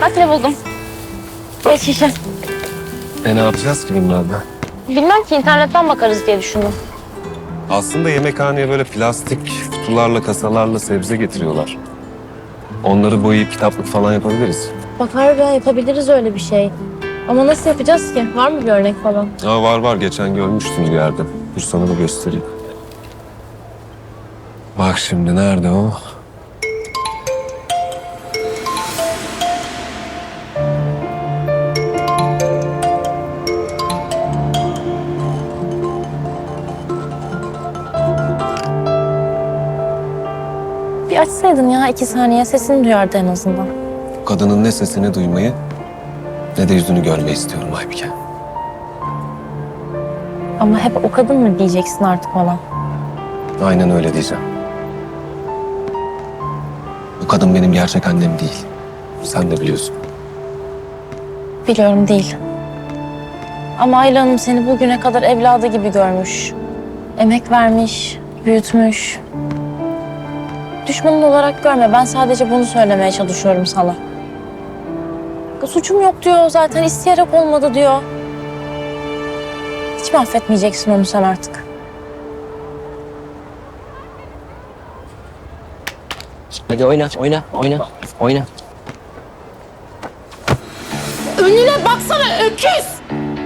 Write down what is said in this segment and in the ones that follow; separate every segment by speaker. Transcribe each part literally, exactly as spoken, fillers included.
Speaker 1: Bak ne buldum. Beş şişe.
Speaker 2: E ne yapacağız ki bunlarla?
Speaker 1: Bilmem ki internetten bakarız diye düşündüm.
Speaker 2: Aslında yemekhaneye böyle plastik kutularla, kasalarla sebze getiriyorlar. Onları boyayıp kitaplık falan yapabiliriz.
Speaker 1: Bak harbiden yapabiliriz öyle bir şey. Ama nasıl yapacağız ki? Var mı bir örnek falan?
Speaker 2: Aa, var var, geçen görmüştüm bir yerde. Dur sana da göstereyim. Bak şimdi nerede o?
Speaker 1: Bir açsaydın ya iki saniye sesini duyardı en azından.
Speaker 2: Kadının ne sesini duymayı ne de yüzünü görmeyi istiyorum Aybike.
Speaker 1: Ama hep o kadın mı diyeceksin artık bana?
Speaker 2: Aynen öyle diyeceğim. Bu kadın benim gerçek annem değil. Sen de biliyorsun.
Speaker 1: Biliyorum değil. Ama Ayla Hanım seni bugüne kadar evladı gibi görmüş. Emek vermiş, büyütmüş. Düşmanın olarak görme. Ben sadece bunu söylemeye çalışıyorum sana. Suçum yok diyor zaten. İsteyerek olmadı diyor. Hiç mi affetmeyeceksin onu sen artık?
Speaker 3: Hadi oyna, oyna, oyna, oyna.
Speaker 1: Önüne baksana öküz!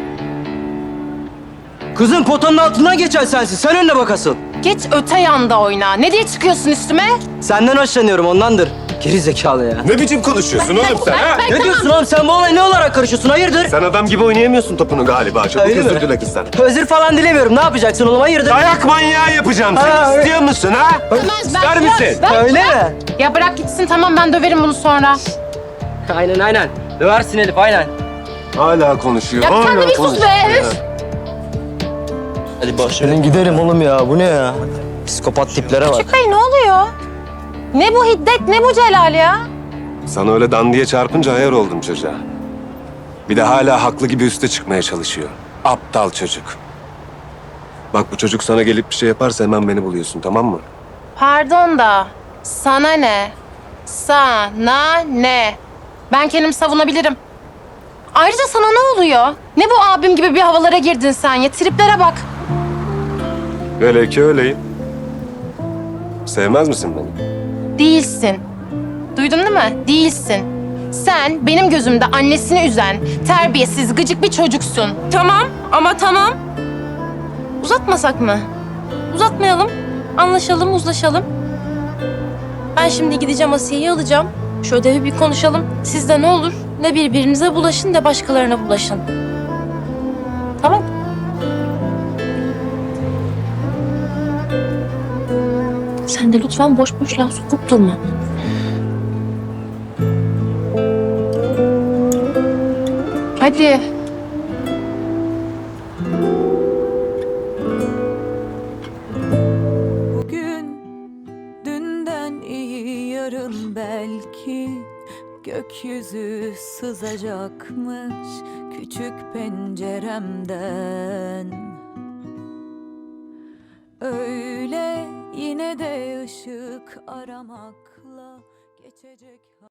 Speaker 3: Kızım potanın altından geçen sensin. Sen önüne bakasın.
Speaker 4: Geç öte yanda oyna. Ne diye çıkıyorsun üstüme?
Speaker 3: Senden hoşlanıyorum ondandır. Geri zekalı ya.
Speaker 2: Ne biçim konuşuyorsun oğlum sen ha?
Speaker 3: Ne diyorsun oğlum? Sen bu olaya ne olarak karışıyorsun? Hayırdır?
Speaker 2: Sen adam gibi oynayamıyorsun topunu galiba. Çabuk
Speaker 3: Öyle mi?
Speaker 2: özür dile kızdan.
Speaker 3: Özür falan dilemiyorum. Ne yapacaksın oğlum? Hayırdır?
Speaker 2: Dayak manyağı yapacağım
Speaker 3: Ha,
Speaker 2: seni.
Speaker 3: öyle.
Speaker 2: İstiyor musun ha? İster misin?
Speaker 3: Öyle mi?
Speaker 4: Ya bırak gitsin tamam ben döverim bunu sonra.
Speaker 3: Aynen aynen. Döversin Elif aynen.
Speaker 2: Hala konuşuyor.
Speaker 4: Ya sen
Speaker 2: hala
Speaker 4: de bir sus
Speaker 2: konuşuyor
Speaker 4: be,
Speaker 2: ya.
Speaker 4: üf!
Speaker 3: Hadi boş verin gidelim oğlum ya. Bu ne ya? Psikopat tiplere bak.
Speaker 4: Bey ne oluyor? Ne bu hiddet ne bu Celal ya?
Speaker 2: Sana öyle dandiye çarpınca ayar oldum çocuğa. Bir de hala haklı gibi üste çıkmaya çalışıyor. Aptal çocuk. Bak bu çocuk sana gelip bir şey yaparsa hemen beni buluyorsun, tamam mı?
Speaker 4: Pardon da sana ne? Sana ne? Ben kendimi savunabilirim. Ayrıca sana ne oluyor? Ne bu abim gibi bir havalara girdin sen ya? Triplere bak.
Speaker 2: Öyle ki öyleyim. Sevmez misin beni?
Speaker 4: Değilsin. Duydun değil mi? Değilsin. Sen benim gözümde annesini üzen, terbiyesiz, gıcık bir çocuksun. Tamam ama tamam. Uzatmasak mı?
Speaker 1: Uzatmayalım. Anlaşalım, uzlaşalım. Ben şimdi gideceğim Asiye'yi alacağım. Şu ödevi bir konuşalım. Siz de ne olur ne birbirinize bulaşın ne başkalarına bulaşın. Tamam. Sen de lütfen boş boş laf sokup durma.
Speaker 4: Hadi.
Speaker 5: Bugün dünden iyi yarın belki gökyüzü sızacakmış küçük penceremden. Öyle yine de ışık aramakla geçecek.